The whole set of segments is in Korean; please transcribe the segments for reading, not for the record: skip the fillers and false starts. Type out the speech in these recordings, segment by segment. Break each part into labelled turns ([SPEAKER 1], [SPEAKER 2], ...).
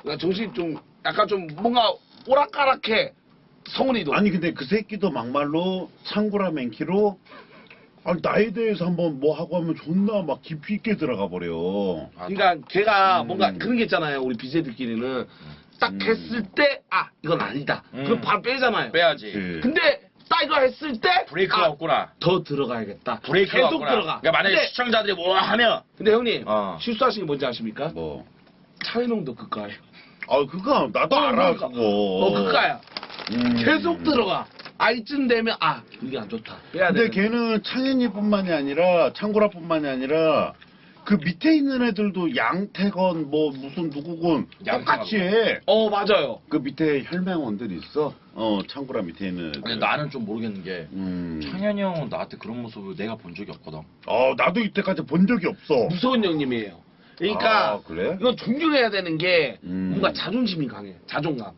[SPEAKER 1] 정신이 좀 약간 좀 뭔가 오락가락해. 성훈이도.
[SPEAKER 2] 아니 근데 그 새끼도 막말로 창구라 맨키로 아니 나에 대해서 한번 뭐 하고 하면 존나 막 깊이 있게 들어가 버려.
[SPEAKER 1] 그러니까 걔가 뭔가 그런 게 있잖아요. 우리 BJ들끼리는 딱 했을 때 이건 아니다. 그럼 바로 빼잖아요.
[SPEAKER 3] 빼야지.
[SPEAKER 1] 근데 딱 이거 했을 때
[SPEAKER 3] 브레이크가 없구나.
[SPEAKER 1] 더 들어가야겠다.
[SPEAKER 3] 브레이크가
[SPEAKER 1] 계속
[SPEAKER 3] 없구나.
[SPEAKER 1] 들어가.
[SPEAKER 3] 그러니까 만약에
[SPEAKER 1] 근데,
[SPEAKER 3] 시청자들이 뭐 하면
[SPEAKER 1] 근데 형님
[SPEAKER 3] 실수하신
[SPEAKER 1] 실수하신 게 뭔지 아십니까?
[SPEAKER 2] 뭐.
[SPEAKER 1] 차이농도 그까요.
[SPEAKER 2] 아 그거 나도 알아 그거.
[SPEAKER 1] 그까야. 계속 들어가. 이쯤 되면 이게 안 좋다. 빼야 돼.
[SPEAKER 2] 근데 걔는 창현이뿐만이 아니라 창구라뿐만이 아니라 그 밑에 있는 애들도 양태건 뭐 무슨 누구건 똑같이 해.
[SPEAKER 1] 맞아요.
[SPEAKER 2] 그 밑에 혈맹원들 있어. 창구라 밑에 있는 애들.
[SPEAKER 3] 근데 나는 좀 모르겠는 게 창현이 형은 나한테 그런 모습을 내가 본 적이 없거든.
[SPEAKER 2] 나도 이때까지 본 적이 없어.
[SPEAKER 1] 무서운 형님이에요. 그러니까
[SPEAKER 2] 그래?
[SPEAKER 1] 이건 존경해야 되는 게 뭔가 자존심이 강해. 자존감.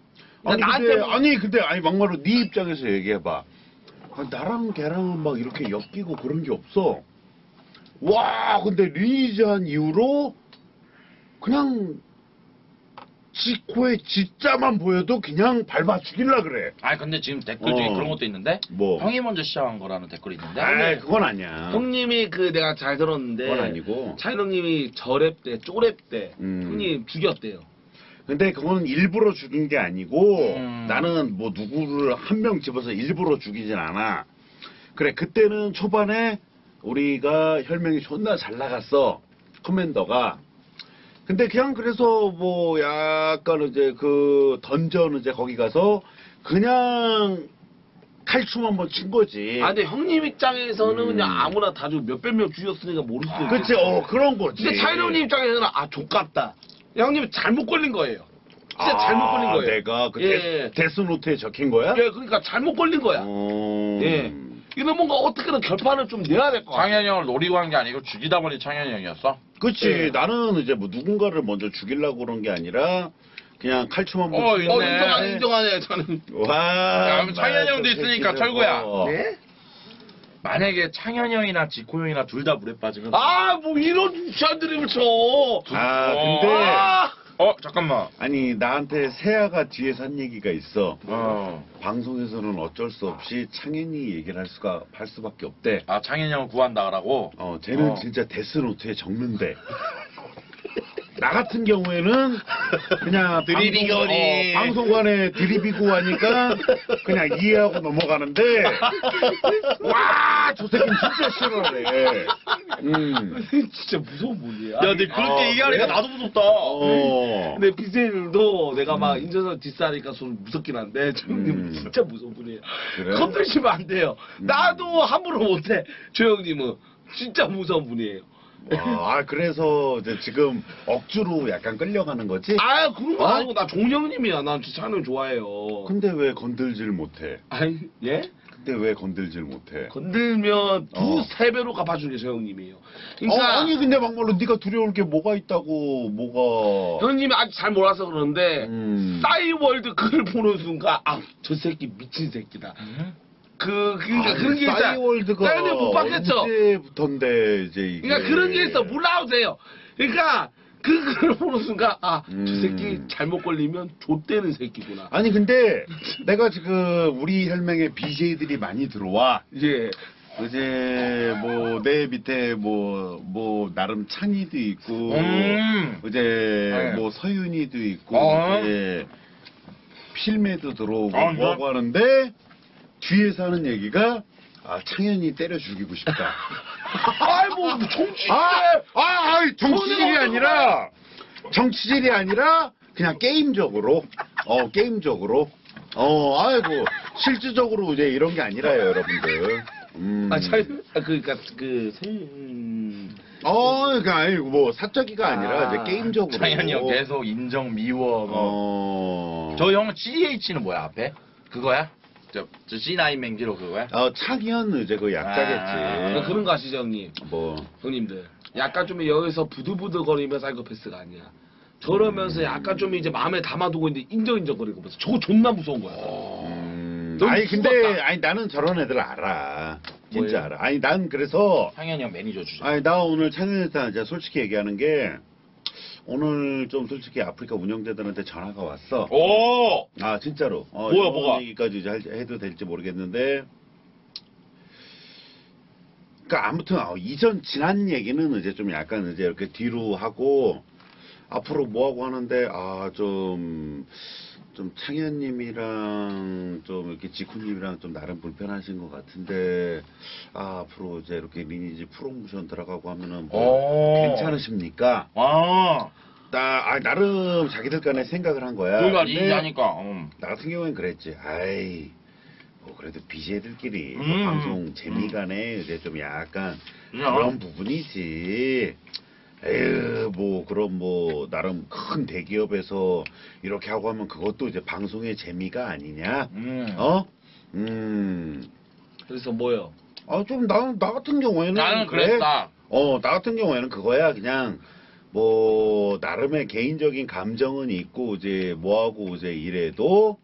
[SPEAKER 2] 근데 막말로 네 입장에서 얘기해봐. 나랑 걔랑은 막 이렇게 엮이고 그런 게 없어. 와 근데 리니지 한 이후로 그냥 지 코에 지자만 보여도 그냥 밟아 죽일라 그래.
[SPEAKER 3] 근데 지금 댓글 중에 그런 것도 있는데
[SPEAKER 2] 뭐?
[SPEAKER 3] 형이 먼저 시작한 거라는 댓글이 있는데
[SPEAKER 2] 그건 아니야.
[SPEAKER 1] 형님이 내가 잘 들었는데
[SPEAKER 2] 그건 아니고.
[SPEAKER 1] 차이형님이 저랩 때 쪼랩 때 형님 죽였대요.
[SPEAKER 2] 근데 그건 일부러 죽인 게 아니고 나는 뭐 누구를 한 명 집어서 일부러 죽이진 않아. 그래 그때는 초반에 우리가 혈맹이 존나 잘 나갔어. 커맨더가. 근데 그냥 그래서 뭐 약간 이제 그 던전 이제 거기 가서 그냥 칼춤 한번 친 거지.
[SPEAKER 1] 근데 형님 입장에서는 그냥 아무나 다 죽 몇백 명 죽였으니까 모를 수도 있겠지.
[SPEAKER 2] 그치 그런 거지.
[SPEAKER 1] 근데 차이형님 입장에서는 족같다. 형님 잘못 걸린 거예요. 진짜 잘못 걸린 거예요.
[SPEAKER 2] 내가 그 데스노트에 적힌 거야?
[SPEAKER 1] 그러니까 잘못 걸린 거야. 이거 뭔가 어떻게든 결판을 좀 내야 될 것 같아.
[SPEAKER 3] 창현이 형을 노리고 한 게 아니고 죽이다 보니 창현이 형이었어?
[SPEAKER 2] 그치. 나는 이제 뭐 누군가를 먼저 죽이려고 그런 게 아니라 그냥 칼춤 한번
[SPEAKER 1] 인정하네 저는.
[SPEAKER 2] 와.
[SPEAKER 3] 창현이 형도 있으니까 철구야.
[SPEAKER 1] 네?
[SPEAKER 3] 만약에 창현이 형이나 지코 형이나 둘 다 물에 빠지면
[SPEAKER 1] 뭐 이런 유치한 드립을 쳐.
[SPEAKER 2] 근데
[SPEAKER 3] 잠깐만.
[SPEAKER 2] 아니 나한테 세아가 뒤에서 한 얘기가 있어. 방송에서는 어쩔 수 없이 창현이 얘기를 할 수밖에 없대.
[SPEAKER 3] 창현이 형을 구한다라고?
[SPEAKER 2] 쟤는 진짜 데스노트에 적는데. 나 같은 경우에는 그냥
[SPEAKER 3] 드립이거리
[SPEAKER 2] 방송관에 드립이고 하니까 그냥 이해하고 넘어가는데 와 저 새끼는 진짜 싫어하네.
[SPEAKER 1] 진짜 무서운 분이야.
[SPEAKER 3] 야, 근데 그렇게 얘기하니까 나도 무섭다.
[SPEAKER 1] 근데 BJ들도 내가 막 인전선 뒷사니까 좀 무섭긴 한데 형님은 진짜 무서운 분이에요.
[SPEAKER 2] 그래?
[SPEAKER 1] 건드시면 안 돼요. 나도 함부로 못해. 조 형님은 진짜 무서운 분이에요.
[SPEAKER 2] 그래서 이제 지금 억지로 약간 끌려가는 거지?
[SPEAKER 1] 그런 거 아니고 나 종영님이야. 난 진짜 찬영 좋아해요.
[SPEAKER 2] 근데 왜 건들질 못해?
[SPEAKER 1] 예?
[SPEAKER 2] 근데 왜 건들질 못해?
[SPEAKER 1] 건들면 두세 배로 갚아주는 게 저 형님이에요. 그러니까
[SPEAKER 2] 아니 근데 막말로 네가 두려울 게 뭐가 있다고 뭐가?
[SPEAKER 1] 형님이 아직 잘 몰라서 그러는데 싸이월드 그걸 보는 순간 저 새끼 미친 새끼다. 그러니까 그런 게 있어.
[SPEAKER 2] 싸이월드가
[SPEAKER 1] 싸이월드 못 봤겠죠?
[SPEAKER 2] 언제부턴데 이제 이게.
[SPEAKER 1] 그러니까 그런 게 있어. 몰라오세요. 그러니까 그걸 보는 순간 저 새끼 잘못 걸리면 좆되는 새끼구나.
[SPEAKER 2] 아니 근데 내가 지금 우리 혈맹에 BJ들이 많이 들어와.
[SPEAKER 1] 예.
[SPEAKER 2] 이제 뭐 내 밑에 뭐 나름 찬이도 있고 이제 뭐 서윤이도 있고 이제 필매도 들어오고 뭐하고 하는데 뒤에서 하는 얘기가 창현이 때려 죽이고 싶다.
[SPEAKER 1] 뭐 정치.
[SPEAKER 2] 정치질이 아니라 그냥 게임적으로 실질적으로 이제 이런 게 아니라요, 여러분들.
[SPEAKER 1] 그러니까
[SPEAKER 2] 그러니까 아니고 뭐 사적이가 아니라 이제 게임적으로.
[SPEAKER 3] 창현이 형 계속 인정 미워. 저 형 CH는 뭐야 앞에? 그거야? 저 C9 맹지로 그거야?
[SPEAKER 2] 창현 이제 그 약자겠지.
[SPEAKER 1] 그런 거 아시죠 형님?
[SPEAKER 2] 뭐
[SPEAKER 1] 형님들 약간 좀 여기서 부들부들거리면 사이코패스가 아니야. 저러면서 약간 좀 이제 마음에 담아두고 있는데 인정거리고 면서 저거 존나 무서운 거야.
[SPEAKER 2] 근데 나는 저런 애들 알아. 진짜
[SPEAKER 1] 뭐예요?
[SPEAKER 2] 알아. 난 그래서
[SPEAKER 3] 창현이 형 매니저 주자.
[SPEAKER 2] 나 오늘 창현이한테 이제 솔직히 얘기하는 게 오늘 좀 솔직히 아프리카 운영자들한테 전화가 왔어.
[SPEAKER 3] 오!
[SPEAKER 2] 아 진짜로.
[SPEAKER 3] 뭐야,
[SPEAKER 2] 이런
[SPEAKER 3] 뭐가?
[SPEAKER 2] 얘기까지 이제 해도 될지 모르겠는데. 그러니까 아무튼 이전 지난 얘기는 이제 좀 약간 이제 이렇게 뒤로 하고 앞으로 뭐 하고 하는데 좀 창현님이랑 좀 이렇게 지쿠님이랑 좀 나름 불편하신 것 같은데 앞으로 이제 이렇게 리니지 프로모션 들어가고 하면은 뭐
[SPEAKER 3] 오.
[SPEAKER 2] 괜찮으십니까?
[SPEAKER 3] 아,
[SPEAKER 2] 나름 자기들 간에 생각을 한 거야.
[SPEAKER 3] 그러니까
[SPEAKER 2] 근데
[SPEAKER 3] 리니지하니까.
[SPEAKER 2] 나 같은 경우엔 그랬지. 아이 뭐 그래도 BJ들끼리
[SPEAKER 3] 음.
[SPEAKER 2] 방송 재미간에 이제 좀 약간
[SPEAKER 3] 그냥.
[SPEAKER 2] 그런 부분이지. 에휴 뭐 그럼 뭐 나름 큰 대기업에서 이렇게 하고 하면 그것도 이제 방송의 재미가 아니냐?
[SPEAKER 1] 그래서 뭐요?
[SPEAKER 2] 좀 나 같은 경우에는
[SPEAKER 3] 나는
[SPEAKER 2] 그래.
[SPEAKER 3] 그랬다.
[SPEAKER 2] 나 같은 경우에는 그거야. 그냥 뭐 나름의 개인적인 감정은 있고 이제 뭐하고 이제 이래도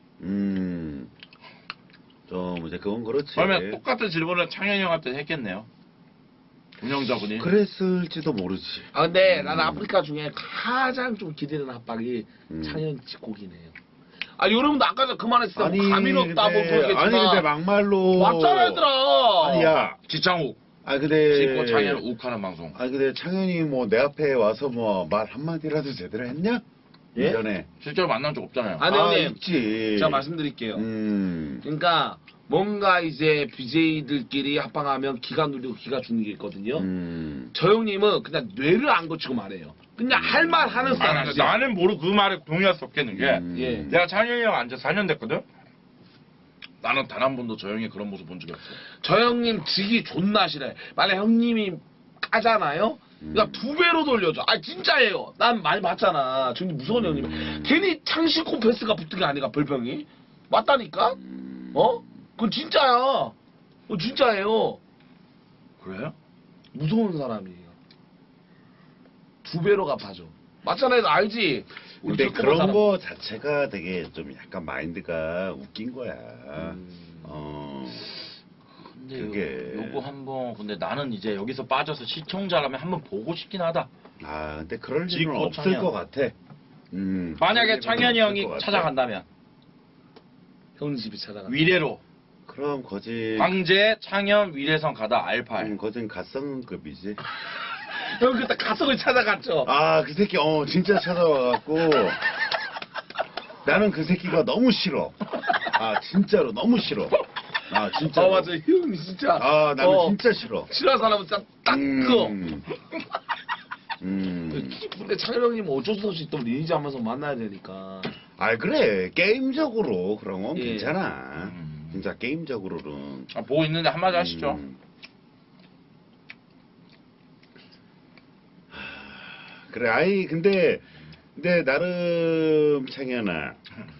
[SPEAKER 2] 좀 이제 그건 그렇지.
[SPEAKER 3] 그러면 똑같은 질문을 창현이 형한테 했겠네요. 운영자분이.
[SPEAKER 2] 그랬을지도 모르지.
[SPEAKER 1] 근데 나는 아프리카 중에 가장 좀 기대되는 합방이
[SPEAKER 2] 음.
[SPEAKER 1] 창현 집곡이네요. 여러분도 아까 전 그만했을 때 감이 높다 뭐
[SPEAKER 2] 아니
[SPEAKER 1] 그러겠지만
[SPEAKER 2] 근데 막말로
[SPEAKER 1] 맞잖아 얘들아.
[SPEAKER 2] 아니야.
[SPEAKER 3] 지창욱.
[SPEAKER 2] 근데
[SPEAKER 3] 지고 창현 욱하는 방송.
[SPEAKER 2] 근데 창현이 뭐 내 앞에 와서 뭐 말 한마디라도 제대로 했냐?
[SPEAKER 1] 예?
[SPEAKER 2] 전에.
[SPEAKER 3] 실제로 만난 적 없잖아요.
[SPEAKER 1] 아니 형님
[SPEAKER 2] 있지.
[SPEAKER 1] 제가 말씀드릴게요.
[SPEAKER 2] 음.
[SPEAKER 1] 그러니까 뭔가 이제 BJ들끼리 합방하면 기가 눌리고 기가 죽는 게 있거든요. 저 형님은 그냥 뇌를 안 거치고 말해요. 그냥 할 말 하는 사람이야.
[SPEAKER 3] 나는 모르고 그 말에 동의할 수 없겠는 게
[SPEAKER 1] 예.
[SPEAKER 3] 내가 창현이 형 안지 4년 됐거든? 나는 단 한 번도 저 형이 그런 모습 본 적이 없어.
[SPEAKER 1] 저 형님 지기 존나 싫어해. 만약 형님이 까잖아요? 그러니까 2배로 돌려줘. 진짜예요. 난 많이 봤잖아. 저 형님 무서운 형님. 괜히 창시코 패스가 붙은 게 아니가 별명이. 맞다니까? 그건 진짜야. 그건 진짜예요.
[SPEAKER 3] 그래요?
[SPEAKER 1] 무서운 사람이에요. 2배로 갚아줘. 맞잖아요. 너 알지? 우리
[SPEAKER 2] 근데
[SPEAKER 1] 겪어본
[SPEAKER 2] 그런
[SPEAKER 1] 사람.
[SPEAKER 2] 거 자체가 되게 좀 약간 마인드가 웃긴 거야.
[SPEAKER 3] 근데
[SPEAKER 2] 그게.
[SPEAKER 3] 요거 한번 근데 나는 이제 여기서 빠져서 시청자라면 한번 보고 싶긴 하다.
[SPEAKER 2] 근데 그럴 일은
[SPEAKER 3] 지코
[SPEAKER 2] 없을
[SPEAKER 3] 창현.
[SPEAKER 2] 것 같아.
[SPEAKER 3] 만약에
[SPEAKER 2] 그럴 일은
[SPEAKER 3] 창현이
[SPEAKER 2] 없을 것
[SPEAKER 3] 형이
[SPEAKER 2] 같아.
[SPEAKER 3] 찾아간다면
[SPEAKER 1] 형님 집에 찾아가.
[SPEAKER 3] 위례로
[SPEAKER 2] 그럼 거짓.
[SPEAKER 3] 광재 창현 위례성 가다 R8.
[SPEAKER 2] 거진 갓성급이지.
[SPEAKER 1] 형 그때 가석을 찾아갔죠.
[SPEAKER 2] 그 새끼 진짜 찾아와갖고 나는 그 새끼가 너무 싫어. 진짜로 너무 싫어. 진짜.
[SPEAKER 1] 맞아. 형님 진짜.
[SPEAKER 2] 나는 진짜 싫어.
[SPEAKER 1] 싫어하는 사람은 진짜 딱 그거. 근데 창현 형님 어쩔 수 없이 또 리니지 하면서 만나야 되니까.
[SPEAKER 2] 그래. 게임적으로 그런 건
[SPEAKER 1] 예.
[SPEAKER 2] 괜찮아. 진짜 게임적으로는.
[SPEAKER 3] 보고 있는데 한마디 하시죠.
[SPEAKER 2] 그래. 근데 나름 창현아.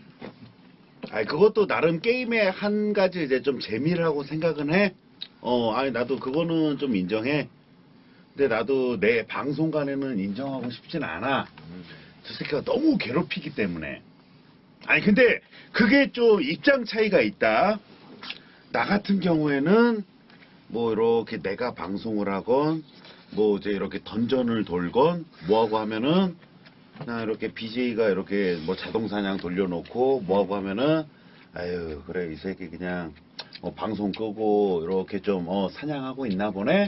[SPEAKER 2] 그것도 나름 게임의 한 가지 이제 좀 재미라고 생각은 해. 나도 그거는 좀 인정해. 근데 나도 내 방송간에는 인정하고 싶진 않아. 저 새끼가 너무 괴롭히기 때문에. 근데 그게 좀 입장 차이가 있다. 나 같은 경우에는 뭐 이렇게 내가 방송을 하건 뭐 이제 이렇게 던전을 돌건 뭐하고 하면은 그냥 이렇게 BJ가 이렇게 뭐 자동사냥 돌려놓고 뭐하고 하면은 아유 그래 이 새끼 그냥 방송 끄고 이렇게 좀 사냥하고 있나 보네.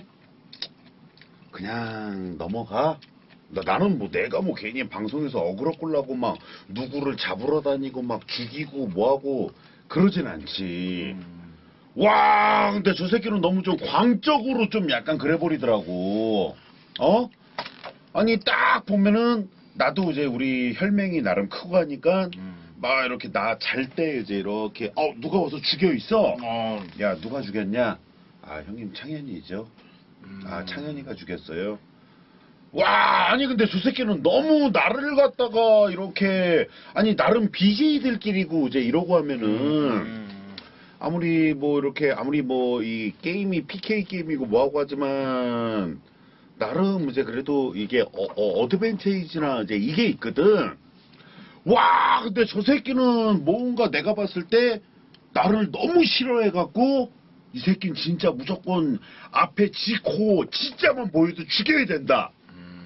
[SPEAKER 2] 그냥 넘어가. 나는 뭐 내가 뭐 괜히 방송에서 어그로 끌라고 막 누구를 잡으러 다니고 막 죽이고 뭐하고 그러진 않지. 와 근데 저 새끼는 너무 좀 광적으로 좀 약간 그래 버리더라고. 아니 딱 보면은 나도 이제 우리 혈맹이 나름 크고 하니까 막 이렇게 나 잘 때 이제 이렇게 누가 와서 죽여 있어. 야 누가 죽였냐? 형님 창현이죠. 창현이가 죽였어요. 와 아니 근데 저 새끼는 너무 나를 갖다가 이렇게 나름 BJ들끼리고 이제 이러고 하면은 아무리 뭐 이렇게 아무리 뭐 이 게임이 PK 게임이고 뭐하고 하지만 나름 이제 그래도 이게 어드밴테이지나 이제 이게 있거든. 와 근데 저 새끼는 뭔가 내가 봤을 때 나를 너무 싫어해갖고 이 새끼는 진짜 무조건 앞에 지코 진짜만 보여도 죽여야 된다.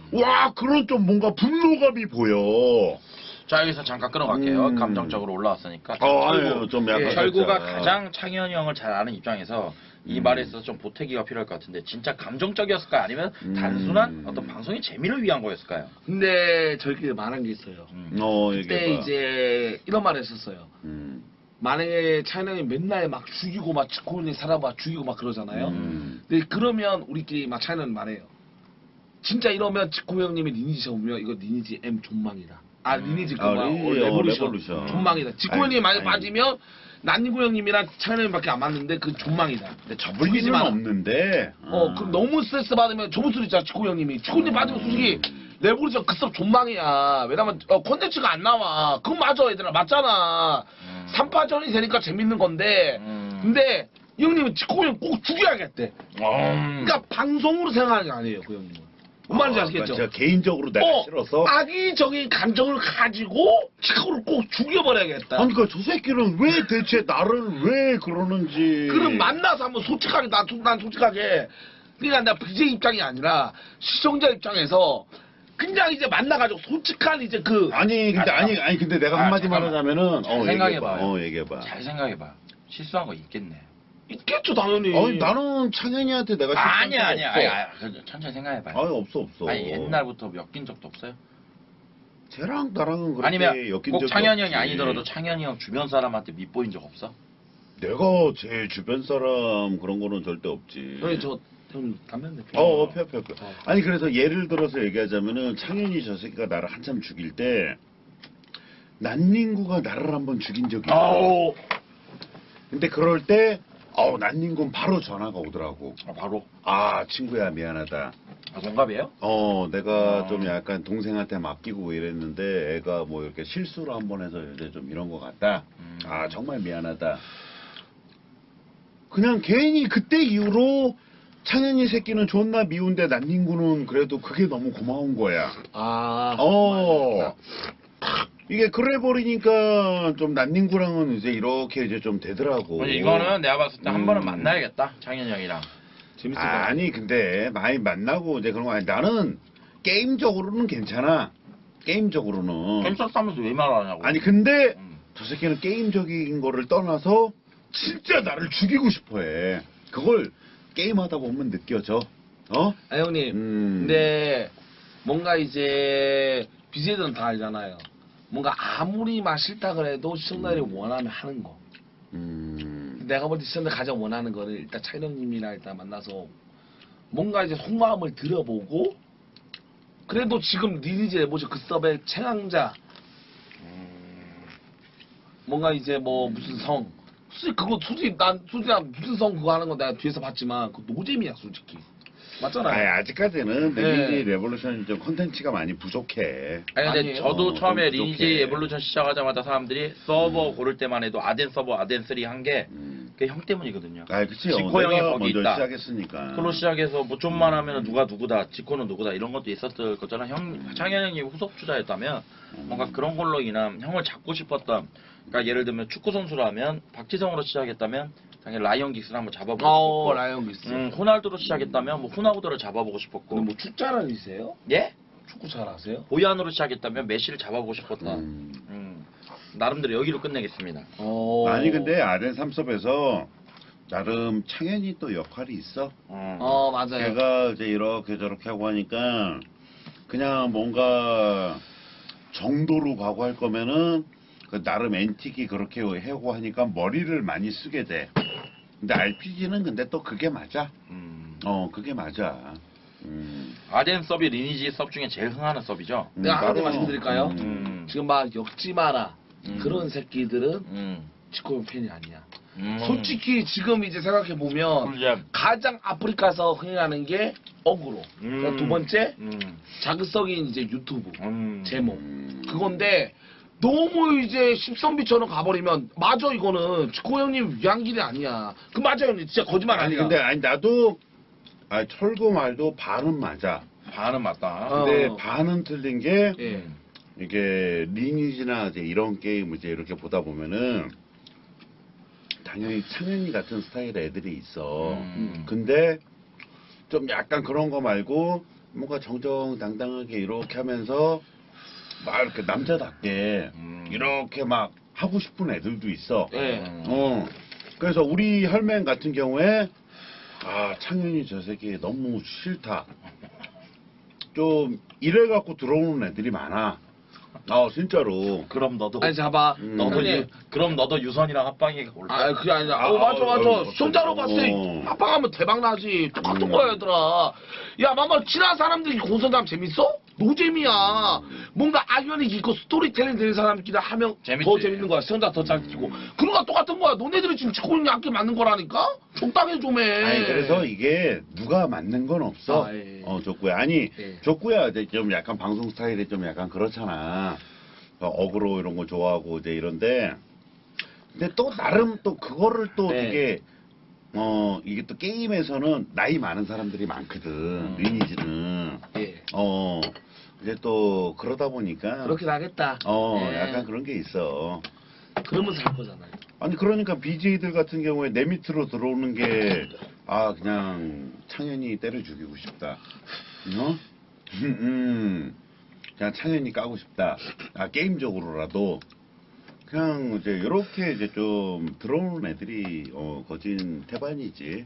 [SPEAKER 2] 와 그런 좀 뭔가 분노감이 보여.
[SPEAKER 3] 자 여기서 잠깐 끊어갈게요. 감정적으로 올라왔으니까.
[SPEAKER 2] 아유, 좀 약간
[SPEAKER 3] 철구가
[SPEAKER 2] 살짝.
[SPEAKER 3] 가장 창현이 형을 잘 아는 입장에서 이 말에 있어서 좀 보태기가 필요할 것 같은데 진짜 감정적이었을까요? 아니면 단순한 어떤 방송의 재미를 위한 거였을까요?
[SPEAKER 1] 근데 저희끼리 말한 게 있어요. 그때
[SPEAKER 2] 얘기해봐.
[SPEAKER 1] 이제 이런 말을 했었어요. 만약에 차이나이 맨날 막 죽이고 막 지코니 살아봐 죽이고 막 그러잖아요. 근데 그러면 우리끼리 막 차이나는 말해요. 진짜 이러면 지코 형님이 리니지 오면 이거 리니지 M 존망이다. 리니지 레볼루션 존망이다. 지코 형님이 만약 빠지면 난니구 형님이랑 차이나님밖에 안 맞는데 그 존망이다.
[SPEAKER 2] 근데 접을 일은 없는데.
[SPEAKER 1] 그럼 너무 스트레스 받으면 접을 수도 있잖아 지코 형님이. 지코 형님 빠지면 솔직히 레볼루션 급섭 존망이야. 왜냐면 콘텐츠가 안 나와. 그건 맞아 얘들아 맞잖아. 3파전이 되니까 재밌는 건데 근데 이 형님은 지코 형 꼭 죽여야겠대. 그러니까 방송으로 생각하는 게 아니에요 그 형님은. 뭔 말인지 아시겠죠?
[SPEAKER 2] 그러니까 개인적으로 내가 싫어서.
[SPEAKER 1] 악의적인 감정을 가지고 지코를 꼭 죽여버려야겠다.
[SPEAKER 2] 아니 그러니까 저 새끼는 왜 대체 나를 왜 그러는지.
[SPEAKER 1] 그럼 만나서 한번 솔직하게 난 솔직하게 그러니까 나 BJ 입장이 아니라 시청자 입장에서 그냥 이제 만나가지고 솔직한 이제 그
[SPEAKER 2] 아니 근데 내가 한마디 말하자면은
[SPEAKER 3] 생각해봐.
[SPEAKER 2] 얘기해봐.
[SPEAKER 3] 잘 생각해봐. 실수한 거 있겠네.
[SPEAKER 1] 있겠죠 당연히.
[SPEAKER 2] 아니 나는 창현이한테 내가
[SPEAKER 3] 아니야.
[SPEAKER 2] 없어.
[SPEAKER 3] 천천히 생각해봐.
[SPEAKER 2] 아니 없어.
[SPEAKER 3] 아니 옛날부터 엮인 적도 없어요?
[SPEAKER 2] 쟤랑 나랑은 그렇게
[SPEAKER 3] 아니면
[SPEAKER 2] 엮인
[SPEAKER 3] 꼭
[SPEAKER 2] 적이
[SPEAKER 3] 창현이 형이
[SPEAKER 2] 없지.
[SPEAKER 3] 아니더라도 창현이 형 주변 사람한테 밉보인 적 없어?
[SPEAKER 2] 내가 제 주변 사람 그런 거는 절대 없지.
[SPEAKER 1] 형님 저 형님 담배 한 대 피워.
[SPEAKER 2] 펴. 아니 그래서 예를 들어서 얘기하자면은 창현이 저 새끼가 나를 한참 죽일 때 난닝구가 나를 한번 죽인 적이 있어. 근데 그럴 때 난닝구는 바로 전화가 오더라고.
[SPEAKER 3] 바로?
[SPEAKER 2] 친구야 미안하다.
[SPEAKER 3] 동갑이에요?
[SPEAKER 2] 내가 좀 약간 동생한테 맡기고 이랬는데 애가 뭐 이렇게 실수를 한번 해서 이제 좀 이런 것 같다. 정말 미안하다. 그냥 괜히 그때 이후로 창현이 새끼는 존나 미운데 난닝구는 그래도 그게 너무 고마운 거야. 이게 그래 버리니까 좀 난닝구랑은 이제 이렇게 이제 좀 되더라고.
[SPEAKER 3] 이거는 내가 봤을 때 한 번은 만나야겠다. 창현이 형이랑.
[SPEAKER 1] 재밌을 것 같아.
[SPEAKER 2] 아니 근데 많이 만나고 이제 그런 거 아니 나는 게임적으로는 괜찮아. 게임적으로는.
[SPEAKER 3] 겜싸싸면서 왜 말하냐고.
[SPEAKER 2] 아니 근데 저 새끼는 게임적인 거를 떠나서 진짜 나를 죽이고 싶어해. 그걸 게임하다 보면 느껴져.
[SPEAKER 1] 형님. 근데 뭔가 이제 BJ들은 다 알잖아요. 뭔가 아무리 막 싫다 그래도 시청자들이 원하면 하는 거. 내가 볼 때 시청자들 가장 원하는 거는 일단 차이형님이랑 일단 만나서 뭔가 이제 속마음을 들어보고 그래도 지금 리니지 레보션 그 서버의 최강자 뭔가 이제 뭐 무슨 성 솔직히 그거 솔직히 난 무슨 성 그거 하는 거 내가 뒤에서 봤지만 그거 노잼이야 솔직히. 맞잖아요.
[SPEAKER 2] 아직까지는 리니지 레볼루션 좀 컨텐츠가 많이 부족해.
[SPEAKER 3] 아니 근데
[SPEAKER 1] 아니에요.
[SPEAKER 3] 저도 처음에
[SPEAKER 2] 좀
[SPEAKER 3] 리니지
[SPEAKER 2] 부족해.
[SPEAKER 3] 에볼루션 시작하자마자 사람들이 서버 고를 때만 해도 아덴 서버 아덴 3 한 게 그게 형 때문이거든요.
[SPEAKER 2] 그치.
[SPEAKER 3] 지코 형이
[SPEAKER 2] 내가
[SPEAKER 3] 거기
[SPEAKER 2] 먼저
[SPEAKER 3] 있다.
[SPEAKER 2] 시작했으니까.
[SPEAKER 3] 그걸로 시작해서 뭐 좀만 하면 누가 누구다, 지코는 누구다 이런 것도 있었을 거잖아. 창현 형이 후속 주자였다면 뭔가 그런 걸로 인한 형을 잡고 싶었던. 그러니까 예를 들면 축구 선수라면 박지성으로 시작했다면 당연히 라이언 긱스를 한번 잡아보고 싶었고.
[SPEAKER 1] 라이언 긱스.
[SPEAKER 3] 호날두로 시작했다면 뭐 호나우드를 잡아보고 싶었고.
[SPEAKER 1] 근데 뭐 축자라니세요?
[SPEAKER 3] 예?
[SPEAKER 1] 축구 잘 아세요?
[SPEAKER 3] 보이안으로 시작했다면 메시를 잡아보고 싶었다. 나름대로 여기로 끝내겠습니다.
[SPEAKER 2] 아니 근데 아덴 삼섭에서 나름 창현이 또 역할이 있어.
[SPEAKER 1] 맞아요.
[SPEAKER 2] 걔가 이제 이렇게 저렇게 하고 하니까 그냥 뭔가 정도로 가고 할 거면은 그 나름 엔틱이 그렇게 하고 하니까 머리를 많이 쓰게 돼. 근데 RPG는 근데 또 그게 맞아. 그게 맞아.
[SPEAKER 3] 아덴 서비 리니지 섭 중에 제일 흥하는 서비죠.
[SPEAKER 1] 내가 하나 더
[SPEAKER 2] 바로,
[SPEAKER 1] 말씀드릴까요? 지금 막 엮지 마라. 그런 새끼들은
[SPEAKER 3] 음.
[SPEAKER 1] 지코형 팬이 아니야. 솔직히 지금 이제 생각해 보면
[SPEAKER 3] 꿀잼.
[SPEAKER 1] 가장 아프리카에서 흥행하는 게 어그로. 그러니까 두 번째 자극적인 이제 유튜브 제목 그건데 너무 이제 십선비처럼 가버리면 맞아 이거는 지코 형님 위한 길이 아니야. 그 맞아 형님 진짜 거짓말
[SPEAKER 2] 아니
[SPEAKER 1] 아니야.
[SPEAKER 2] 근데 나도 철구 말도 반은 맞아.
[SPEAKER 3] 반은 맞다.
[SPEAKER 2] 근데 반은 틀린 게
[SPEAKER 1] 예.
[SPEAKER 2] 이게 리니지나 이제 이런 게임 이제 이렇게 보다 보면은 당연히 창현이 같은 스타일의 애들이 있어. 근데 좀 약간 그런 거 말고 뭔가 정정당당하게 이렇게 하면서 막 이렇게 남자답게 이렇게 막 하고 싶은 애들도 있어.
[SPEAKER 1] 예.
[SPEAKER 2] 그래서 우리 혈맹 같은 경우에 아 창현이 저 새끼 너무 싫다. 좀 이래갖고 들어오는 애들이 많아. 진짜로.
[SPEAKER 3] 그럼 너도
[SPEAKER 1] 아니 잡아.
[SPEAKER 3] 너도
[SPEAKER 1] 형님.
[SPEAKER 3] 그럼 너도 유선이랑 합방이 올까?
[SPEAKER 1] 아 그게 아니라
[SPEAKER 2] 아,
[SPEAKER 1] 맞아 맞아
[SPEAKER 2] 아,
[SPEAKER 1] 시청자로 봤을 때 합방하면 대박 나지 똑같은 거야 얘들아. 야 막말 친한 사람들이 공선장 재밌어? 노잼이야. 뭔가 악연이 있고 스토리텔링 되는 사람끼리 하면
[SPEAKER 3] 재밌지.
[SPEAKER 1] 더 재밌는 거야. 시청자 더 잘 찍고 그런 거 똑같은 거야. 너네들이 지금 찍고 있는 게 악기 맞는 거라니까. 적당히 좀 해.
[SPEAKER 2] 아니 그래서 이게 누가 맞는 건 없어.
[SPEAKER 1] 아, 예.
[SPEAKER 2] 족구야. 아니
[SPEAKER 1] 예.
[SPEAKER 2] 족구야 이제 좀 약간 방송 스타일이 좀 약간 그렇잖아. 어그로 이런 거 좋아하고 이제 이런데 근데 또 나름 또 그거를 또
[SPEAKER 1] 네.
[SPEAKER 2] 되게 이게 또 게임에서는 나이 많은 사람들이 많거든. 리니지는
[SPEAKER 1] 예.
[SPEAKER 2] 이제 또 그러다 보니까
[SPEAKER 1] 그렇긴 하겠다. 예.
[SPEAKER 2] 약간 그런 게 있어.
[SPEAKER 1] 그러면서 할 거잖아요.
[SPEAKER 2] 아니 그러니까 BJ들 같은 경우에 내 밑으로 들어오는 게 그냥 창현이 때려 죽이고 싶다. 그냥 창현이 까고 싶다. 게임적으로라도 그냥 이제 이렇게 이제 좀 들어오는 애들이 거진 태반이지.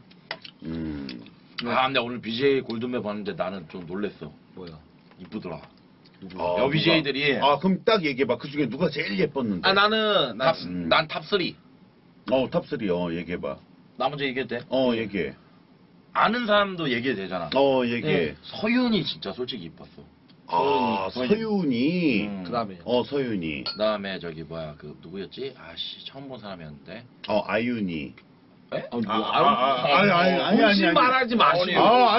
[SPEAKER 3] 아 근데 오늘 BJ 골든벨 봤는데 나는 좀 놀랬어.
[SPEAKER 1] 뭐야?
[SPEAKER 3] 이쁘더라.
[SPEAKER 2] 아,
[SPEAKER 3] 여 BJ들이
[SPEAKER 2] 그럼 딱 얘기해봐. 그 중에 누가 제일 예뻤는데?
[SPEAKER 1] 아 나는
[SPEAKER 3] 난 탑3.
[SPEAKER 2] 탑3 얘기해봐.
[SPEAKER 3] 나 먼저 얘기해도 돼?
[SPEAKER 2] 얘기해.
[SPEAKER 3] 아는 사람도 얘기해도 되잖아.
[SPEAKER 2] 얘기해.
[SPEAKER 1] 네.
[SPEAKER 3] 서윤이 진짜 솔직히 이뻤어.
[SPEAKER 2] 서윤이.
[SPEAKER 1] 그다음에
[SPEAKER 2] 서윤이.
[SPEAKER 3] 그다음에 저기 뭐야 그 누구였지? 아씨 처음 본 사람이었는데.
[SPEAKER 2] 아윤이.
[SPEAKER 3] 에?
[SPEAKER 2] 아니.
[SPEAKER 1] 본심 말하지 마시고.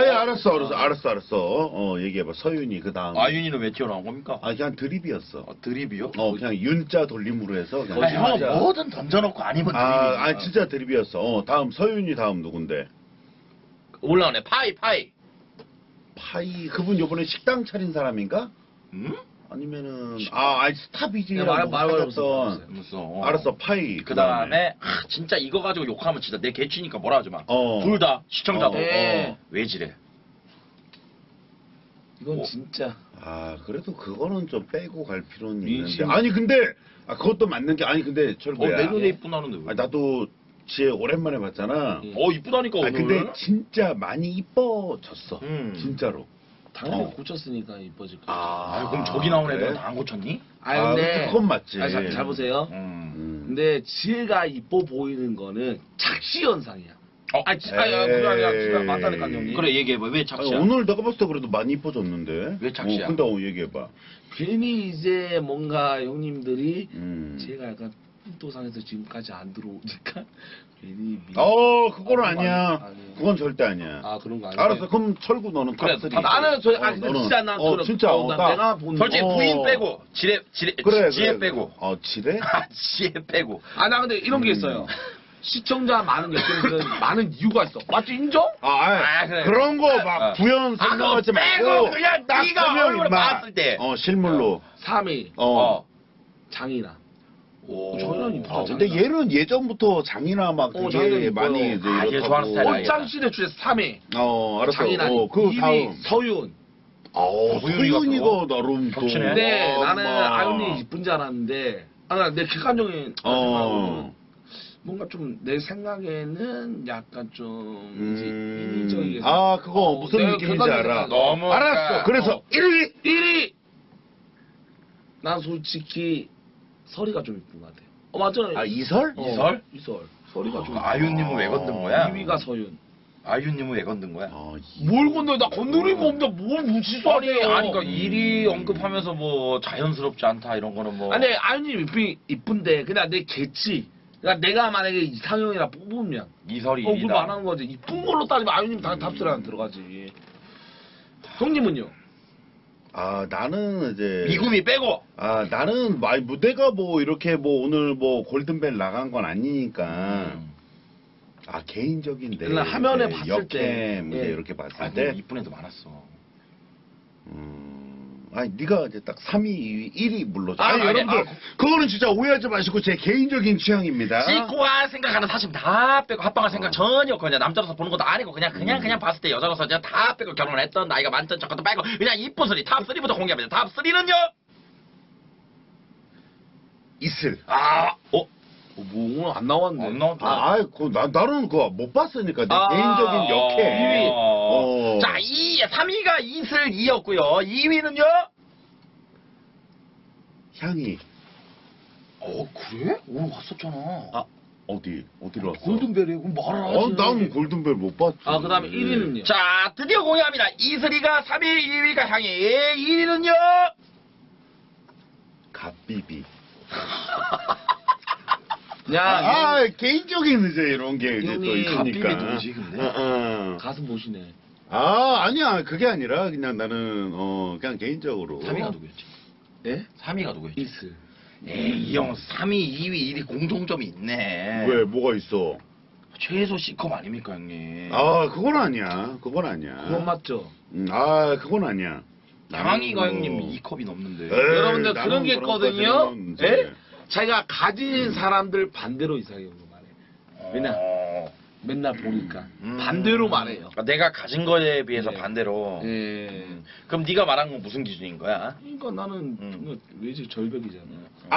[SPEAKER 2] 알았어. 얘기해봐. 서윤이 그 다음.
[SPEAKER 3] 아윤이는 왜 튀어나온 겁니까?
[SPEAKER 2] 그냥 드립이었어.
[SPEAKER 3] 드립이요?
[SPEAKER 2] 그냥 윤자 돌림으로 해서. 그냥
[SPEAKER 3] 형
[SPEAKER 2] 진짜.
[SPEAKER 3] 뭐든 던져놓고 아니면 드립이야.
[SPEAKER 2] 진짜 드립이었어. 다음 서윤이 다음 누군데?
[SPEAKER 3] 올라오네. 파이.
[SPEAKER 2] 파이 그분 요번에 식당 차린 사람인가?
[SPEAKER 3] 응?
[SPEAKER 2] 아니면은 스타 BJ랑
[SPEAKER 1] 말
[SPEAKER 2] 사귀었던.
[SPEAKER 3] 무슨
[SPEAKER 2] 알았어 파이.
[SPEAKER 3] 그 다음에 진짜 이거 가지고 욕하면 진짜 내 개취니까 뭐라 하지 마.
[SPEAKER 2] 어.
[SPEAKER 3] 둘 다 시청자도
[SPEAKER 1] 네.
[SPEAKER 3] 왜 지래?
[SPEAKER 1] 이건
[SPEAKER 3] 뭐.
[SPEAKER 1] 진짜
[SPEAKER 2] 그래도 그거는 좀 빼고 갈 필요는
[SPEAKER 1] 민심.
[SPEAKER 2] 있는데. 아니 근데 그것도 맞는 게 근데 철구야.
[SPEAKER 3] 내 눈에 이쁘다는데 왜?
[SPEAKER 2] 나도 지혜 오랜만에 봤잖아.
[SPEAKER 3] 이쁘다니까 오늘.
[SPEAKER 2] 근데 진짜 많이 이뻐졌어. 진짜로.
[SPEAKER 1] 당연히 고쳤으니까 이뻐질 거야.
[SPEAKER 3] 그럼 저기 나온
[SPEAKER 2] 그래?
[SPEAKER 3] 애들은 다 안 고쳤니?
[SPEAKER 1] 근데
[SPEAKER 2] 그건 맞지.
[SPEAKER 1] 잘 보세요. 근데 지혜가 이뻐 보이는 거는 착시 현상이야. 그게 아니라 진짜 맞다니까 형님.
[SPEAKER 3] 그래 얘기해봐. 왜
[SPEAKER 2] 아니,
[SPEAKER 3] 착시야?
[SPEAKER 2] 오늘 내가 봤을 때 그래도 많이 이뻐졌는데.
[SPEAKER 3] 왜 착시야?
[SPEAKER 2] 근데 얘기해봐.
[SPEAKER 1] 괜히 이제 뭔가 형님들이 지혜가 약간 삔또상에서 지금까지 안 들어오니까 괜히
[SPEAKER 2] 그거는 아니야.
[SPEAKER 1] 아니에요.
[SPEAKER 2] 그건 절대 아니야.
[SPEAKER 1] 그런 거 아니야.
[SPEAKER 2] 알았어. 그럼 철구 너는
[SPEAKER 3] 그래,
[SPEAKER 2] 탑3.
[SPEAKER 1] 나는 근데 진짜 난 그런
[SPEAKER 2] 진짜
[SPEAKER 1] 나 내가 본
[SPEAKER 3] 솔직히
[SPEAKER 1] 거.
[SPEAKER 3] 부인 빼고 지혜
[SPEAKER 2] 그래.
[SPEAKER 3] 빼고.
[SPEAKER 2] 지뢰?
[SPEAKER 3] 지혜 빼고.
[SPEAKER 1] 나 근데 이런 게 있어요. 시청자 많은 역행들은 많은 이유가 있어. 맞지 인정?
[SPEAKER 3] 그래.
[SPEAKER 2] 그런 거 막 구현 설명하지
[SPEAKER 3] 그거 빼고
[SPEAKER 2] 말고
[SPEAKER 3] 그냥
[SPEAKER 2] 딱
[SPEAKER 3] 네가
[SPEAKER 2] 보면
[SPEAKER 3] 얼굴을
[SPEAKER 2] 임마.
[SPEAKER 3] 봤을 때.
[SPEAKER 2] 실물로.
[SPEAKER 1] 3위 장이나.
[SPEAKER 3] 오.
[SPEAKER 1] 저는 이쁘다.
[SPEAKER 2] 근데 얘는 예전부터 장이나 막 되게
[SPEAKER 1] 장인은
[SPEAKER 2] 많이
[SPEAKER 1] 이뻐요.
[SPEAKER 2] 이제
[SPEAKER 3] 얘
[SPEAKER 2] 이렇다고.
[SPEAKER 3] 좋아하는 스타일
[SPEAKER 1] 옷장실의 주제 3위
[SPEAKER 2] 알았어.
[SPEAKER 1] 장이나.
[SPEAKER 2] 그
[SPEAKER 1] 2위
[SPEAKER 2] 다음.
[SPEAKER 1] 서윤.
[SPEAKER 2] 소윤이가 나름 또.
[SPEAKER 3] 겹치네.
[SPEAKER 1] 근데 나는
[SPEAKER 2] 막.
[SPEAKER 1] 아윤이 이쁜 줄 알았는데 내 객관적인 생각으로는 뭔가 좀 내 생각에는 약간 좀 이제 인위적이게.
[SPEAKER 2] 그거 무슨
[SPEAKER 1] 내가
[SPEAKER 2] 느낌인지
[SPEAKER 1] 객관적인
[SPEAKER 2] 알아.
[SPEAKER 1] 생각.
[SPEAKER 3] 너무
[SPEAKER 2] 알았어. 그래서 1위.
[SPEAKER 1] 난 솔직히 설이가 좀 이쁜 것 같아. 맞잖아.
[SPEAKER 2] 이설?
[SPEAKER 3] 이설?
[SPEAKER 1] 이설. 설이가 좀.
[SPEAKER 3] 아윤님은 왜 건든 거야?
[SPEAKER 1] 2위가 서윤.
[SPEAKER 3] 아윤님은 왜 건든 거야?
[SPEAKER 1] 뭘 건너? 나 건드린 거 없는데 뭘 무시하네요.
[SPEAKER 3] 그러니까 일이 언급하면서 뭐 자연스럽지 않다 이런 거는 뭐.
[SPEAKER 1] 아니 아윤님 이쁜데 그냥 내 개치. 그러니까 내가 만약에 이상형이라 뽑으면
[SPEAKER 3] 이설이
[SPEAKER 1] 그걸
[SPEAKER 3] 1위다.
[SPEAKER 1] 말하는 거지. 이쁜 걸로 따지면 아윤님 당연히 탑3 안 들어가지. 형님은요?
[SPEAKER 2] 나는 이제.
[SPEAKER 3] 미구미 빼고.
[SPEAKER 2] 나는 무대가 뭐 이렇게 뭐 오늘 뭐 골든벨 나간 건 아니니까. 개인적인데.
[SPEAKER 1] 그냥 화면에
[SPEAKER 2] 이제
[SPEAKER 1] 봤을 때.
[SPEAKER 2] 역캠 이제
[SPEAKER 1] 예.
[SPEAKER 2] 이렇게 봤을
[SPEAKER 3] 아,
[SPEAKER 2] 때.
[SPEAKER 3] 이쁜 애도 많았어.
[SPEAKER 2] 아니 네가 이제 딱 3위, 2위, 1위 물러줘.
[SPEAKER 3] 아,
[SPEAKER 2] 아니
[SPEAKER 3] 아니,
[SPEAKER 2] 여러분들 그거는 진짜 오해하지 마시고 제 개인적인 취향입니다.
[SPEAKER 3] 찍고할 생각하는 사실 다 빼고 합방할 생각 전혀 없고 그냥 남자로서 보는 것도 아니고 그냥 봤을 때 여자로서 그냥 다 빼고 결혼을 했던 나이가 많던 저것도 빼고 그냥 이쁜 소리 탑 3부터 공개합니다. 탑 3는요?
[SPEAKER 2] 있을.
[SPEAKER 1] 뭐 오늘 안 나왔네.
[SPEAKER 3] 안 나왔다.
[SPEAKER 2] 나는 그거 못 봤으니까 내
[SPEAKER 1] 아,
[SPEAKER 2] 개인적인 역해. 어.
[SPEAKER 3] 자, 3위가 이슬 2였고요. 2위는요?
[SPEAKER 2] 향이.
[SPEAKER 3] 그래? 오늘 왔었잖아.
[SPEAKER 2] 어디로 왔어?
[SPEAKER 1] 골든벨이 그럼 말을 하지.
[SPEAKER 2] 난 골든벨 못 봤지.
[SPEAKER 1] 그다음에 1위는요?
[SPEAKER 3] 자, 드디어 공개합니다. 이슬이가 3위, 2위가 향이, 1위는요?
[SPEAKER 2] 갓비비. 개인적인 이제 이런 게 이제 또
[SPEAKER 1] 형이
[SPEAKER 2] 있으니까.
[SPEAKER 3] 갓비비 누구지, 근데?
[SPEAKER 1] 가슴 보시네.
[SPEAKER 2] 아니야. 그게 아니라 그냥 나는 그냥 개인적으로.
[SPEAKER 3] 3위가 누구였지?
[SPEAKER 1] 예?
[SPEAKER 3] 3위가 누구였지?
[SPEAKER 1] 이슬.
[SPEAKER 3] 이 형 3위, 2위, 1위 공통점이 있네.
[SPEAKER 2] 왜 뭐가 있어?
[SPEAKER 3] 최소 C컵 아닙니까, 형님?
[SPEAKER 2] 그건 아니야.
[SPEAKER 1] 그건 맞죠?
[SPEAKER 2] 그건 아니야.
[SPEAKER 3] 향이가
[SPEAKER 2] 나는
[SPEAKER 3] 형님
[SPEAKER 2] 뭐-
[SPEAKER 3] 2컵이 넘는데.
[SPEAKER 1] 여러분들
[SPEAKER 2] 나는
[SPEAKER 1] 그런 게
[SPEAKER 2] 그런
[SPEAKER 1] 있거든요.
[SPEAKER 2] 것까지는 이제-
[SPEAKER 1] 예? 자기가 가진 사람들 반대로 이상형으로 말해. 왜냐? 맨날 보니까 반대로 말해요.
[SPEAKER 3] 내가 가진 거에 비해서
[SPEAKER 1] 네.
[SPEAKER 3] 반대로.
[SPEAKER 1] 예.
[SPEAKER 3] 그럼 네가 말한 건 무슨 기준인 거야?
[SPEAKER 1] 그러니까 나는 외제 절벽이잖아.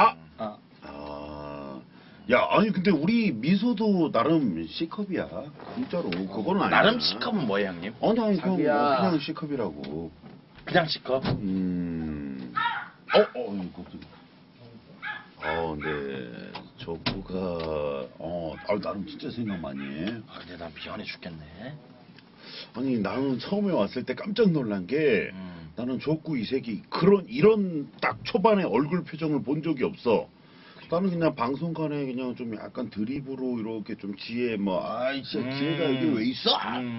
[SPEAKER 2] 야, 아니 근데 우리 미소도 나름 C컵이야. 진짜로. 그거는 아니야.
[SPEAKER 3] 나름 C컵은 뭐예요, 형님?
[SPEAKER 2] 아니
[SPEAKER 1] 자기야.
[SPEAKER 2] 그냥 C컵이라고.
[SPEAKER 3] 그냥 C컵?
[SPEAKER 2] 근데 저부가 나름 진짜 생각 많이 해.
[SPEAKER 3] 근데 난 미안해 죽겠네.
[SPEAKER 2] 아니 나는 처음에 왔을 때 깜짝 놀란 게
[SPEAKER 3] 음.
[SPEAKER 2] 나는 조구 이 새끼 이런 딱 초반에 얼굴 표정을 본 적이 없어. 나는 그냥 방송간에 그냥 좀 약간 드립으로 이렇게 좀 지혜 지혜가 여기 왜 있어?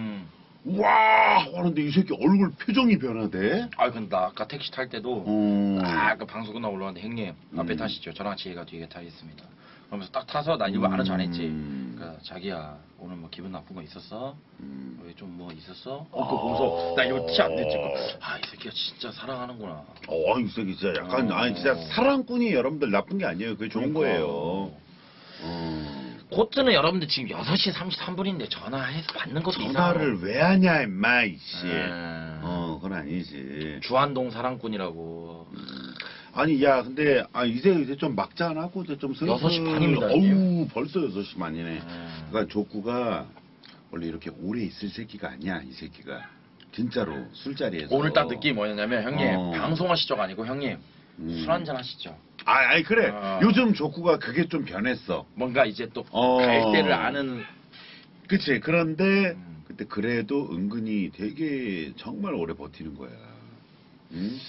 [SPEAKER 2] 와 하는데 이 새끼 얼굴 표정이 변하대.
[SPEAKER 3] 근데 나 아까 택시 탈 때도 아까 방송 끝나고 올라왔는데 형님 앞에 타시죠. 저랑 지혜가 뒤에 타겠습니다. 그러면서 딱 타서 나 일부러 아는 척 안 했지. 그러니까 자기야 오늘 뭐 기분 나쁜 거 있었어? 왜 좀 뭐 있었어? 그거 보면서 나 이거 티 안 냈지. 이 새끼가 진짜 사랑하는구나.
[SPEAKER 2] 이 새끼 진짜 약간 진짜 사랑꾼이 여러분들 나쁜 게 아니에요. 그게 좋은 거예요.
[SPEAKER 3] 코트는 여러분들 지금 6시 33분인데 전화해서 받는 것도
[SPEAKER 2] 전화를 왜 하냐 임마 이씨.
[SPEAKER 3] 네.
[SPEAKER 2] 그건 아니지.
[SPEAKER 3] 주한동 사랑꾼이라고.
[SPEAKER 2] 아니 야 근데 이제 좀 막잔하고 이제 좀 슬슬
[SPEAKER 3] 6시 반입니다,
[SPEAKER 2] 벌써 6시 반이네. 그러니까 족구가 원래 이렇게 오래 있을 새끼가 아니야 이 새끼가. 진짜로 술자리에서.
[SPEAKER 3] 오늘 딱 느낌이 뭐였냐면 형님
[SPEAKER 2] 어.
[SPEAKER 3] 방송하시죠 아니고 형님 술 한잔 하시죠.
[SPEAKER 2] 아니 그래.
[SPEAKER 3] 어.
[SPEAKER 2] 요즘 족구가 그게 좀 변했어.
[SPEAKER 3] 뭔가 이제 또 갈 때를 아는.
[SPEAKER 2] 그치. 그런데 그때 그래도 은근히 되게 정말 오래 버티는 거야. 응?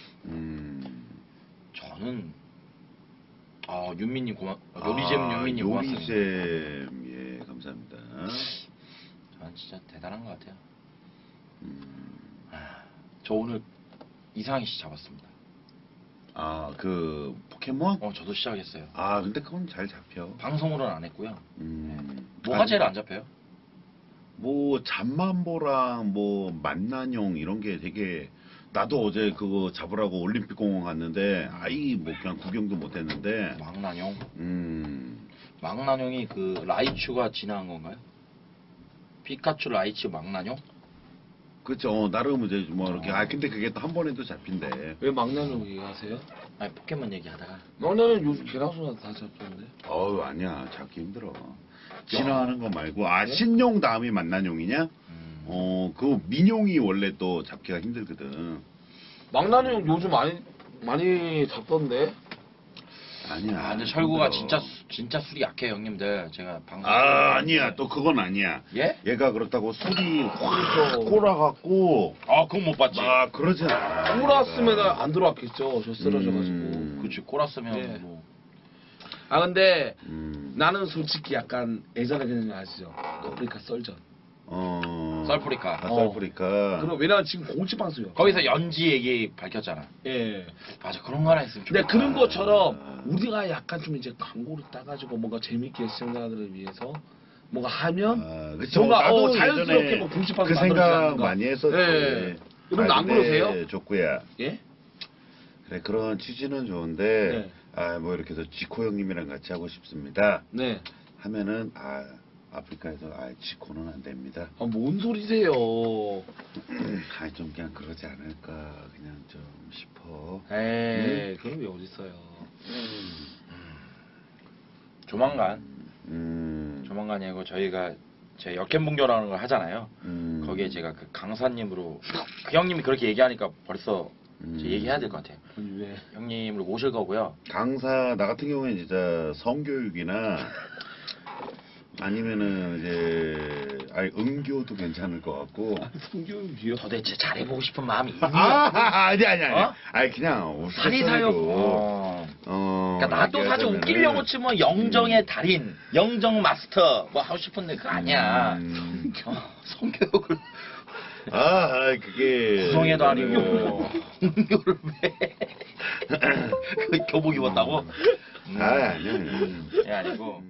[SPEAKER 3] 저는 윤미님 요리잼 윤미님 고맙습니다.
[SPEAKER 2] 요리잼 예 감사합니다.
[SPEAKER 3] 저는 진짜 대단한 것 같아요. 저 오늘 이상희 씨 잡았습니다.
[SPEAKER 2] 그 포켓몬?
[SPEAKER 3] 저도 시작했어요.
[SPEAKER 2] 근데 그건 잘 잡혀.
[SPEAKER 3] 방송으로는 안 했고요. 뭐가
[SPEAKER 2] 아니,
[SPEAKER 3] 제일 안 잡혀요?
[SPEAKER 2] 뭐 잠만보랑 뭐 만난용 이런 게 되게 나도 어제 그거 잡으라고 올림픽 공원 갔는데 뭐 그냥 구경도 못 했는데
[SPEAKER 3] 망나뇽.
[SPEAKER 2] 음.
[SPEAKER 3] 망나뇽이 그 라이츄가 진화한 건가요? 피카츄, 라이츄, 망나뇽?
[SPEAKER 2] 그쵸. 나름 이제 뭐 이렇게 근데 그게 또 한 번에도 잡힌대.
[SPEAKER 1] 왜 막내는 얘기하세요?
[SPEAKER 3] 아니 포켓몬 얘기하다가
[SPEAKER 1] 막내는 요즘 개나소나 다 잡혔는데.
[SPEAKER 2] 아니야. 잡기 힘들어. 진화하는 거 말고 신용 다음이 만난용이냐? 그 민용이 원래 또 잡기가 힘들거든.
[SPEAKER 1] 막나는 요즘 많이 잡던데.
[SPEAKER 2] 아니야.
[SPEAKER 3] 근데 철구가
[SPEAKER 2] 힘들어.
[SPEAKER 3] 진짜 술이 약해 형님들. 제가 방송
[SPEAKER 2] 아니야. 또 그건 아니야.
[SPEAKER 3] 예?
[SPEAKER 2] 얘가 그렇다고 술이 확 꼬라갖고
[SPEAKER 3] 그건 못 봤지.
[SPEAKER 2] 그러진 않아.
[SPEAKER 1] 꼬랐으면 안 들어왔겠죠. 저 쓰러져가지고.
[SPEAKER 3] 그치 꼬랐으면
[SPEAKER 1] 예.
[SPEAKER 3] 뭐.
[SPEAKER 1] 근데 나는 솔직히 약간 예전에 그냥 아시죠? 아프리카 썰전.
[SPEAKER 3] 썰프리카.
[SPEAKER 2] 썰프리카.
[SPEAKER 1] 그럼 왜냐면 지금 공식 방송이요.
[SPEAKER 3] 거기서 연지 얘기 밝혔잖아.
[SPEAKER 1] 예.
[SPEAKER 3] 맞아 그런 거 하나 있으면
[SPEAKER 1] 근데
[SPEAKER 3] 좋겠다.
[SPEAKER 1] 그런 것처럼 우리가 약간 좀 이제 광고를 따가지고 뭔가 재밌게 시청자들을 위해서 뭔가 하면
[SPEAKER 2] 그쵸.
[SPEAKER 1] 뭔가
[SPEAKER 2] 나도
[SPEAKER 1] 자연스럽게
[SPEAKER 2] 예전에
[SPEAKER 1] 뭐 공식 방송
[SPEAKER 2] 그 생각 많이 했었지.
[SPEAKER 1] 예. 여러분 안
[SPEAKER 2] 근데
[SPEAKER 1] 그러세요?
[SPEAKER 2] 족구야.
[SPEAKER 1] 예?
[SPEAKER 2] 그래 그런 취지는 좋은데
[SPEAKER 1] 네.
[SPEAKER 2] 아 뭐 이렇게 해서 지코 형님이랑 같이 하고 싶습니다.
[SPEAKER 1] 네.
[SPEAKER 2] 하면은 아 아프리카에서 아 지코는 안 됩니다.
[SPEAKER 1] 아, 뭔 소리세요?
[SPEAKER 2] 아좀 그냥 그러지 않을까 그냥 좀 싶어.
[SPEAKER 3] 에이,
[SPEAKER 1] 그런 게 어딨어요?
[SPEAKER 3] 조만간
[SPEAKER 2] 음.
[SPEAKER 3] 조만간이고 저희가 제 역행분교라는 걸 하잖아요.
[SPEAKER 2] 음.
[SPEAKER 3] 거기에 제가 그 강사님으로 그 형님이 그렇게 얘기하니까 벌써 이제 얘기해야 될 것 같아요.
[SPEAKER 1] 아니, 왜?
[SPEAKER 3] 형님을 모실 거고요.
[SPEAKER 2] 강사 나 같은 경우에는 진짜 성교육이나 아니면은 이제 아니 음교도 괜찮을 것 같고.
[SPEAKER 1] 성교육이요?
[SPEAKER 3] 도대체 잘해보고 싶은 마음이 있니?
[SPEAKER 2] 아니
[SPEAKER 3] 어?
[SPEAKER 2] 아니 그냥
[SPEAKER 3] 살이사요. 그러니까 나도 사실 웃기려고 치면 영정의 달인, 영정 마스터 뭐 하고 싶은데 그거 아니야. 성교육을
[SPEAKER 2] 그게
[SPEAKER 3] 구성애도 아니고 성교를 왜? 그 교복 입었다고?
[SPEAKER 2] 아니야.
[SPEAKER 3] 예, 아니고.